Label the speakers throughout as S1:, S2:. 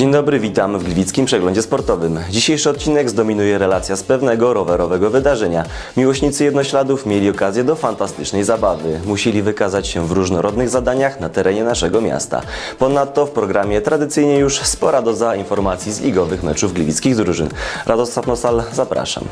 S1: Dzień dobry, witam w Gliwickim Przeglądzie Sportowym. Dzisiejszy odcinek zdominuje relacja z pewnego rowerowego wydarzenia. Miłośnicy jednośladów mieli okazję do fantastycznej zabawy. Musieli wykazać się w różnorodnych zadaniach na terenie naszego miasta. Ponadto w programie tradycyjnie już spora doza informacji z ligowych meczów gliwickich drużyn. Radosław Nosal, zapraszam.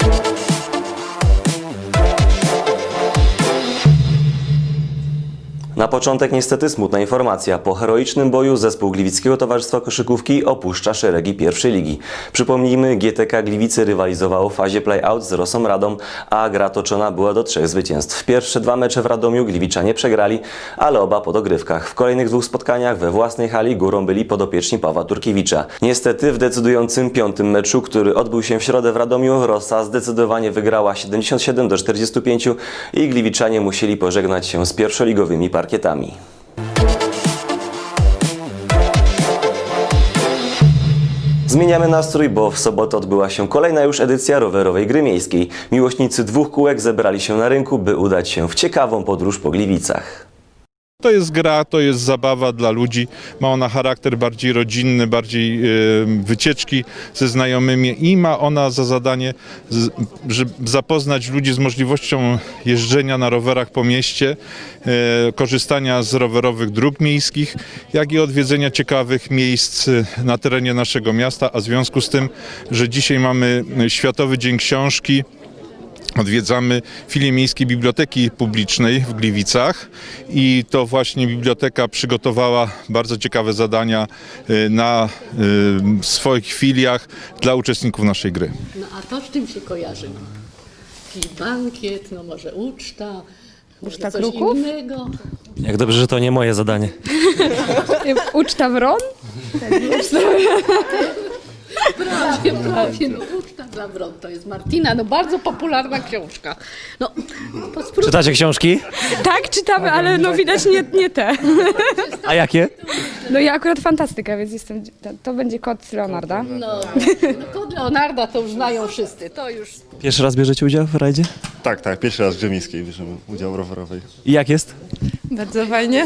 S1: Na początek niestety smutna informacja. Po heroicznym boju zespół Gliwickiego Towarzystwa Koszykówki opuszcza szeregi pierwszej ligi. Przypomnijmy, GTK Gliwice rywalizowało w fazie play-out z Rosą Radom, a gra toczona była do 3 zwycięstw. Pierwsze 2 mecze w Radomiu Gliwiczanie przegrali, ale oba po dogrywkach. W kolejnych 2 spotkaniach we własnej hali górą byli podopieczni Pawła Turkiewicza. Niestety w decydującym 5. meczu, który odbył się w środę w Radomiu, Rosa zdecydowanie wygrała 77-45 i Gliwiczanie musieli pożegnać się z pierwszoligowymi parkietami. Zmieniamy nastrój, bo w sobotę odbyła się kolejna już edycja rowerowej gry miejskiej. Miłośnicy 2 kółek zebrali się na rynku, by udać się w ciekawą podróż po Gliwicach.
S2: To jest gra, to jest zabawa dla ludzi. Ma ona charakter bardziej rodzinny, bardziej wycieczki ze znajomymi i ma ona za zadanie, żeby zapoznać ludzi z możliwością jeżdżenia na rowerach po mieście, korzystania z rowerowych dróg miejskich, jak i odwiedzenia ciekawych miejsc na terenie naszego miasta, a w związku z tym, że dzisiaj mamy Światowy Dzień Książki, odwiedzamy filię Miejskiej Biblioteki Publicznej w Gliwicach i to właśnie biblioteka przygotowała bardzo ciekawe zadania na swoich filiach dla uczestników naszej gry.
S3: No a to z czym się kojarzy? Jakiś bankiet, no może uczta, może coś
S4: kruków?
S3: innego.
S1: Jak dobrze, że to nie moje zadanie.
S4: Uczta wron?
S3: Prawie, no uczta dla wron, to jest Martina, no bardzo popularna książka. No,
S1: Czytacie książki?
S4: Tak, czytamy, ale no widać nie te.
S1: A jakie?
S4: No ja akurat fantastyka, więc jestem, to będzie kot Leonarda.
S3: no kod Leonarda to już znają wszyscy, to już...
S1: Pierwszy raz bierzecie udział w rajdzie?
S5: Tak, pierwszy raz w grze miejskiej bierzemy udział rowerowej.
S1: I jak jest?
S4: Bardzo fajnie.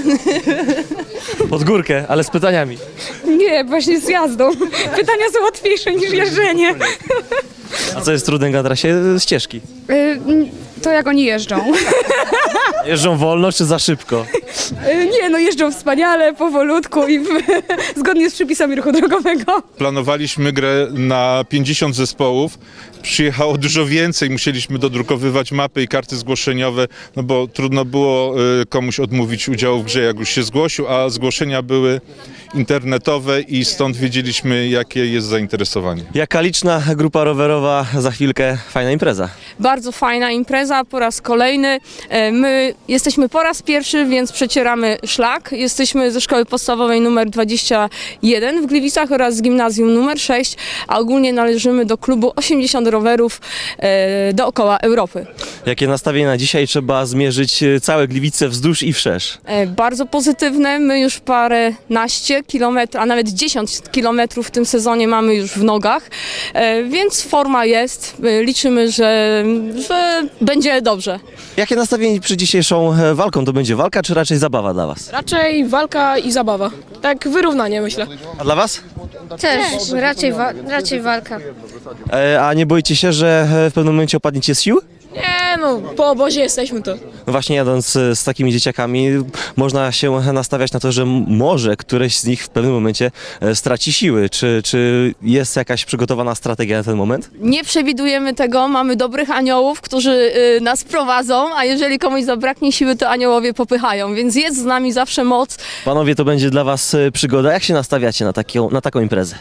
S1: Pod górkę, ale z pytaniami.
S4: Nie, właśnie z jazdą. Pytania są łatwiejsze niż jeżdżenie.
S1: A co jest trudnego na trasie? Ścieżki.
S4: To jak oni jeżdżą.
S1: Jeżdżą wolno czy za szybko?
S4: Nie, no jeżdżą wspaniale, powolutku i zgodnie z przepisami ruchu drogowego.
S2: Planowaliśmy grę na 50 zespołów. Przyjechało dużo więcej, musieliśmy dodrukowywać mapy i karty zgłoszeniowe, no bo trudno było komuś odmówić udziału w grze, jak już się zgłosił, a zgłoszenia były internetowe i stąd wiedzieliśmy, jakie jest zainteresowanie.
S1: Jaka liczna grupa rowerowa, za chwilkę fajna impreza.
S6: Bardzo fajna impreza, po raz kolejny. My jesteśmy po raz pierwszy, więc przecieramy szlak. Jesteśmy ze szkoły podstawowej numer 21 w Gliwicach oraz z gimnazjum numer 6, a ogólnie należymy do klubu 80 rowerów dookoła Europy.
S1: Jakie nastawienie na dzisiaj? Trzeba zmierzyć całe Gliwice wzdłuż i wszerz.
S6: Bardzo pozytywne. My już paręnaście kilometrów, a nawet 10 kilometrów w tym sezonie mamy już w nogach, więc forma jest. Liczymy, że będzie dobrze.
S1: Jakie nastawienie przed dzisiejszą walką? To będzie walka czy raczej zabawa dla Was?
S7: Raczej walka i zabawa. Tak wyrównanie, myślę.
S1: A dla Was?
S8: Też, raczej walka.
S1: A nie boicie się, że w pewnym momencie opadniecie z sił?
S7: Nie no, po obozie jesteśmy to.
S1: No właśnie jadąc z takimi dzieciakami można się nastawiać na to, że może któreś z nich w pewnym momencie straci siły. Czy jest jakaś przygotowana strategia na ten moment?
S6: Nie przewidujemy tego, mamy dobrych aniołów, którzy nas prowadzą, a jeżeli komuś zabraknie siły, to aniołowie popychają, więc jest z nami zawsze moc.
S1: Panowie, to będzie dla Was przygoda. Jak się nastawiacie na taką imprezę?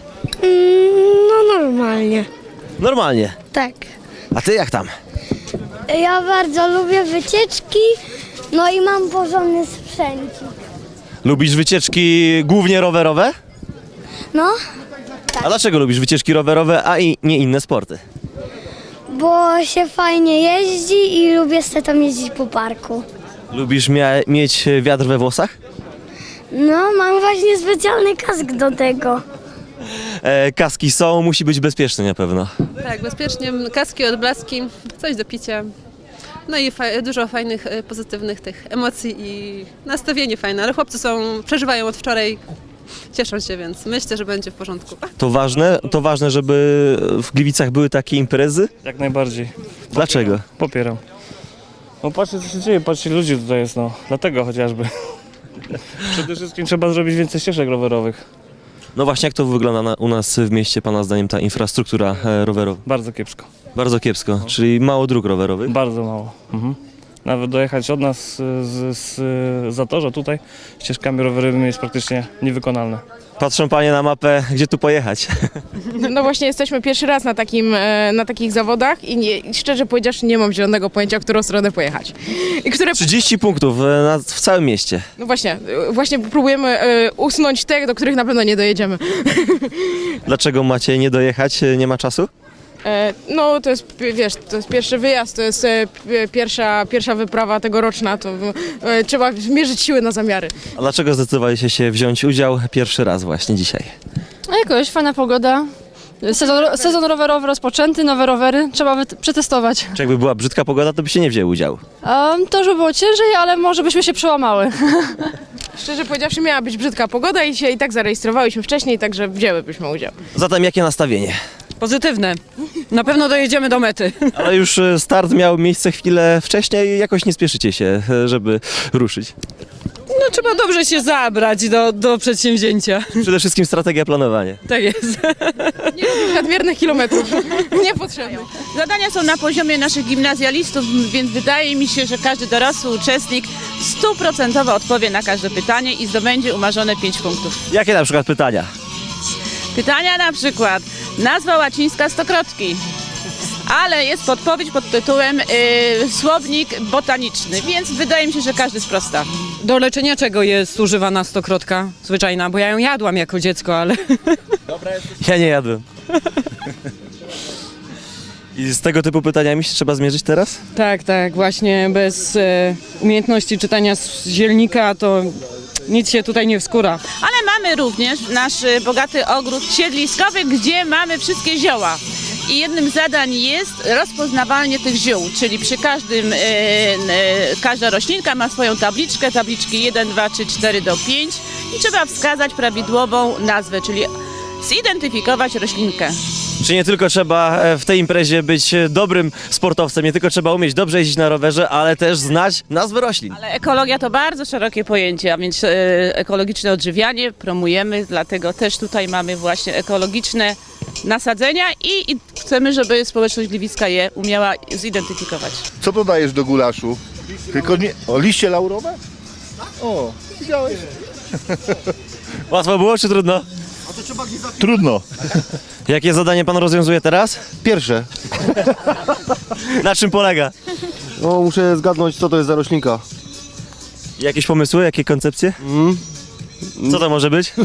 S8: No normalnie.
S1: Normalnie.
S8: Tak.
S1: A Ty jak tam?
S8: Ja bardzo lubię wycieczki, no i mam porządny sprzęcik.
S1: Lubisz wycieczki głównie rowerowe?
S8: No,
S1: A dlaczego lubisz wycieczki rowerowe, a nie inne sporty?
S8: bo się fajnie jeździ i lubię sobie tam jeździć po parku.
S1: Lubisz mieć wiatr we włosach?
S8: No, mam właśnie specjalny kask do tego.
S1: Kaski są, musi być bezpieczny na pewno.
S9: Tak, bezpiecznie, kaski, odblaski, coś do picia. No i dużo fajnych, pozytywnych tych emocji i nastawienie fajne, ale chłopcy przeżywają od wczoraj cieszą się, więc myślę, że będzie w porządku.
S1: To ważne, żeby w Gliwicach były takie imprezy?
S10: Jak najbardziej.
S1: Dlaczego?
S10: Popieram. No patrzcie co się dzieje, patrzcie ludzi tutaj jest, no. Dlatego chociażby. Przede wszystkim trzeba zrobić więcej ścieżek rowerowych.
S1: No właśnie, jak to wygląda u nas w mieście, Pana zdaniem, ta infrastruktura rowerowa?
S10: Bardzo kiepsko.
S1: Bardzo kiepsko, czyli mało dróg rowerowych.
S10: Bardzo mało. Nawet dojechać od nas z Zatorza tutaj ścieżkami rowerowymi jest praktycznie niewykonalne.
S1: Patrzą Panie na mapę, gdzie tu pojechać.
S4: No właśnie jesteśmy pierwszy raz na takich zawodach i szczerze powiedziawszy nie mam zielonego pojęcia, w którą stronę pojechać. I które,
S1: 30 punktów w całym mieście.
S4: no właśnie próbujemy usunąć te, do których na pewno nie dojedziemy.
S1: Dlaczego macie nie dojechać? Nie ma czasu?
S4: No to jest, wiesz, to jest pierwszy wyjazd, to jest pierwsza wyprawa tegoroczna, to trzeba mierzyć siły na zamiary.
S1: A dlaczego zdecydowaliście się wziąć udział pierwszy raz właśnie dzisiaj?
S6: A jakoś fajna pogoda. Sezon rowerowy rozpoczęty, nowe rowery, trzeba przetestować.
S1: Czy jakby była brzydka pogoda, to by się nie wzięły udziału.
S6: To już by było ciężej, ale może byśmy się przełamały.
S4: Szczerze powiedziawszy miała być brzydka pogoda i się i tak zarejestrowałyśmy wcześniej, także wzięłybyśmy udział.
S1: Zatem jakie nastawienie?
S11: Pozytywne. Na pewno dojedziemy do mety.
S1: Ale już start miał miejsce chwilę wcześniej i jakoś nie spieszycie się, żeby ruszyć.
S11: No trzeba dobrze się zabrać do przedsięwzięcia.
S1: Przede wszystkim strategia planowania.
S11: Tak jest.
S4: Nadmiernych kilometrów niepotrzebnych.
S12: Zadania są na poziomie naszych gimnazjalistów, więc wydaje mi się, że każdy dorosły uczestnik 100% odpowie na każde pytanie i zdobędzie umarzone 5 punktów.
S1: Jakie na przykład pytania?
S12: Pytania na przykład nazwa łacińska stokrotki, ale jest podpowiedź pod tytułem słownik botaniczny, więc wydaje mi się, że każdy sprosta.
S11: Do leczenia czego jest używana stokrotka zwyczajna? Bo ja ją jadłam jako dziecko, ale...
S1: Ja nie jadłem. I z tego typu pytaniami się trzeba zmierzyć teraz?
S11: Tak, właśnie bez umiejętności czytania z zielnika to nic się tutaj nie wskóra.
S12: Ale mamy również nasz bogaty ogród siedliskowy, gdzie mamy wszystkie zioła. I jednym z zadań jest rozpoznawanie tych ziół, czyli przy każda roślinka ma swoją tabliczkę, tabliczki 1, 2, 3, 4 do 5 i trzeba wskazać prawidłową nazwę, czyli zidentyfikować roślinkę.
S1: Czy nie tylko trzeba w tej imprezie być dobrym sportowcem, nie tylko trzeba umieć dobrze jeździć na rowerze, ale też znać nazwy roślin.
S12: Ale ekologia to bardzo szerokie pojęcie, a więc ekologiczne odżywianie promujemy, dlatego też tutaj mamy właśnie ekologiczne nasadzenia i chcemy, żeby społeczność gliwicka je umiała zidentyfikować.
S5: Co dodajesz do gulaszu? Tylko nie... O, liście laurowe? O, widziałeś?
S1: Łatwo było czy trudno?
S5: Trudno.
S1: Jakie zadanie pan rozwiązuje teraz?
S5: Pierwsze.
S1: Na czym polega?
S5: No, muszę zgadnąć, co to jest za roślinka.
S1: Jakieś pomysły, jakie koncepcje? Co to może być?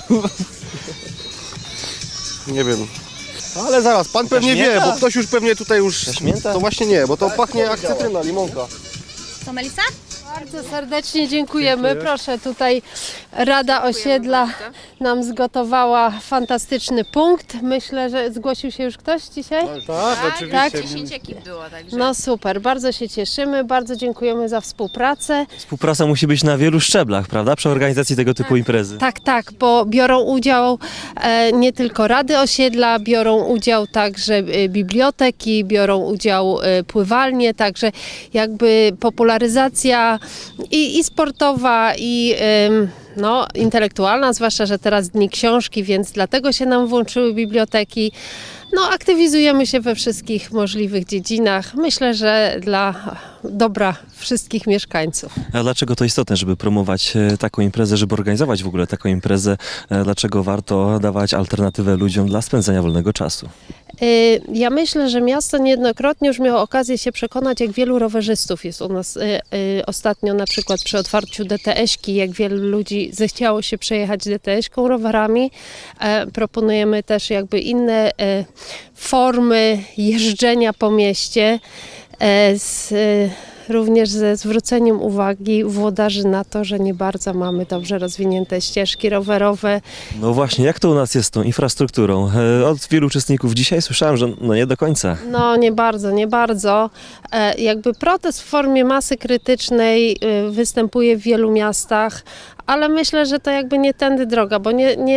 S5: Nie wiem. Ale zaraz, pan pewnie wie, bo ktoś już pewnie tutaj już...
S1: Jaśmięta?
S5: To właśnie nie, bo to pachnie jak cytryna, limonka.
S8: Co, Melisa?
S13: Bardzo serdecznie dziękujemy. Proszę, tutaj Rada Osiedla nam zgotowała fantastyczny punkt. Myślę, że zgłosił się już ktoś dzisiaj?
S5: Tak, oczywiście.
S13: Tak?
S12: 10 ekip było, także...
S13: No super, bardzo się cieszymy, bardzo dziękujemy za współpracę.
S1: Współpraca musi być na wielu szczeblach, prawda? Przy organizacji tego typu imprezy.
S13: Tak, bo biorą udział nie tylko Rady Osiedla, biorą udział także biblioteki, biorą udział pływalnie, także jakby popularyzacja i sportowa, i no, intelektualna, zwłaszcza, że teraz Dni Książki, więc dlatego się nam włączyły biblioteki. No, aktywizujemy się we wszystkich możliwych dziedzinach. Myślę, że dla dobra wszystkich mieszkańców.
S1: A dlaczego to istotne, żeby promować taką imprezę, żeby organizować w ogóle taką imprezę? Dlaczego warto dawać alternatywę ludziom dla spędzania wolnego czasu?
S13: Ja myślę, że miasto niejednokrotnie już miało okazję się przekonać, jak wielu rowerzystów jest u nas ostatnio, na przykład przy otwarciu DTS-ki, jak wielu ludzi zechciało się przejechać DTS-ką rowerami. Proponujemy też jakby inne formy jeżdżenia po mieście z również ze zwróceniem uwagi włodarzy na to, że nie bardzo mamy dobrze rozwinięte ścieżki rowerowe.
S1: No właśnie, jak to u nas jest z tą infrastrukturą? Od wielu uczestników dzisiaj słyszałem, że no nie do końca.
S13: No nie bardzo, nie bardzo. Jakby protest w formie masy krytycznej występuje w wielu miastach, ale myślę, że to jakby nie tędy droga, bo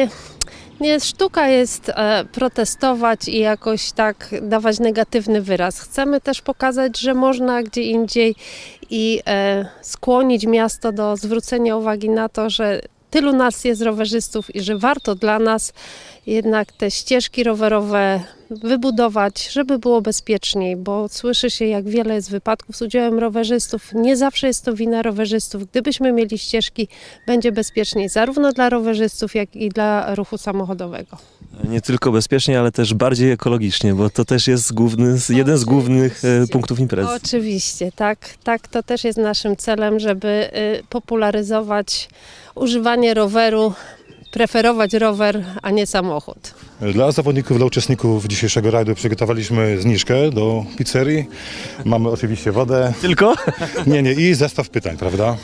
S13: nie sztuka jest protestować i jakoś tak dawać negatywny wyraz. Chcemy też pokazać, że można gdzie indziej i skłonić miasto do zwrócenia uwagi na to, że tylu nas jest rowerzystów i że warto dla nas jednak te ścieżki rowerowe wybudować, żeby było bezpieczniej, bo słyszy się, jak wiele jest wypadków z udziałem rowerzystów. Nie zawsze jest to wina rowerzystów. Gdybyśmy mieli ścieżki, będzie bezpieczniej zarówno dla rowerzystów, jak i dla ruchu samochodowego.
S1: Nie tylko bezpiecznie, ale też bardziej ekologicznie, bo to też jest jeden z głównych punktów imprezy.
S13: Oczywiście, tak, to też jest naszym celem, żeby popularyzować używanie roweru, preferować rower, a nie samochód.
S5: Dla zawodników, dla uczestników dzisiejszego rajdu przygotowaliśmy zniżkę do pizzerii. Mamy oczywiście wodę.
S1: Tylko?
S5: Nie, i zestaw pytań, prawda?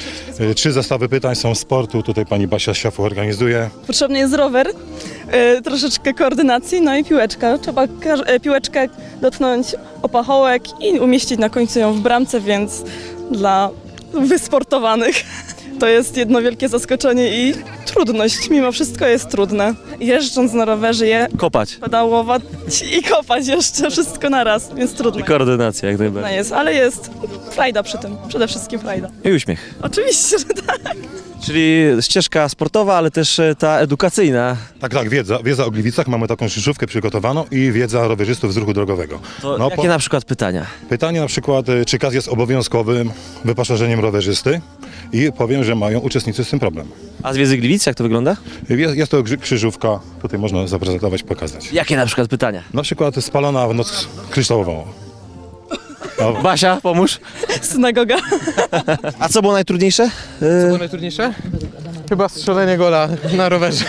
S5: 3 zestawy pytań są z sportu. Tutaj pani Basia Siafu organizuje.
S7: Potrzebny jest rower, troszeczkę koordynacji, no i piłeczka. Trzeba piłeczkę dotknąć o pachołek i umieścić na końcu ją w bramce, więc dla wysportowanych to jest jedno wielkie zaskoczenie i trudność. Mimo wszystko jest trudne. Jeżdżąc na rowerze
S1: Kopać.
S7: pedałować i kopać jeszcze wszystko naraz, więc trudno.
S1: I koordynacja jak najbardziej.
S7: Trudno jest, ale jest frajda przy tym. Przede wszystkim frajda.
S1: I uśmiech.
S7: Oczywiście, że tak.
S1: Czyli ścieżka sportowa, ale też ta edukacyjna.
S5: Tak, wiedza o Gliwicach. Mamy taką krzyżówkę przygotowaną i wiedza rowerzystów z ruchu drogowego.
S1: To jakie na przykład pytania?
S5: Pytanie na przykład, czy KAS jest obowiązkowym wyposażeniem rowerzysty? I powiem, że mają uczestnicy z tym problem.
S1: A z wiedzy Gliwic, jak to wygląda?
S5: Jest to krzyżówka, tutaj można zaprezentować, pokazać.
S1: Jakie na przykład pytania?
S5: Na przykład spalona w noc kryształową.
S1: Basia, pomóż.
S7: Synagoga.
S1: A co było najtrudniejsze?
S14: Co było najtrudniejsze? Chyba strzelenie gola na rowerze.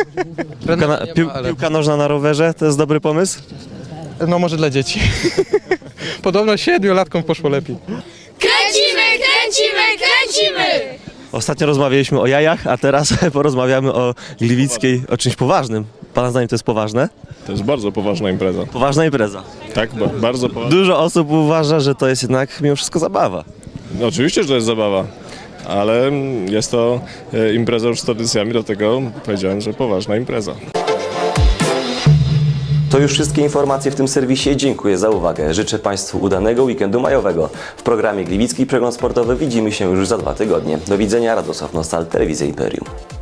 S1: Piłka nożna na rowerze, to jest dobry pomysł?
S14: No może dla dzieci. Podobno 7-latkom poszło lepiej.
S8: Kręcimy!
S1: Ostatnio rozmawialiśmy o jajach, a teraz porozmawiamy o Gliwickiej, o czymś poważnym. Pana zdaniem to jest poważne?
S15: To jest bardzo poważna impreza.
S1: Poważna impreza.
S15: Tak, bardzo poważna.
S1: Dużo osób uważa, że to jest jednak mimo wszystko zabawa.
S15: No, oczywiście, że to jest zabawa, ale jest to impreza już z tradycjami, dlatego powiedziałem, że poważna impreza.
S1: To już wszystkie informacje w tym serwisie. Dziękuję za uwagę. Życzę Państwu udanego weekendu majowego. W programie Gliwicki Przegląd Sportowy widzimy się już za 2 tygodnie. Do widzenia, Radosław Nostal, Telewizja Imperium.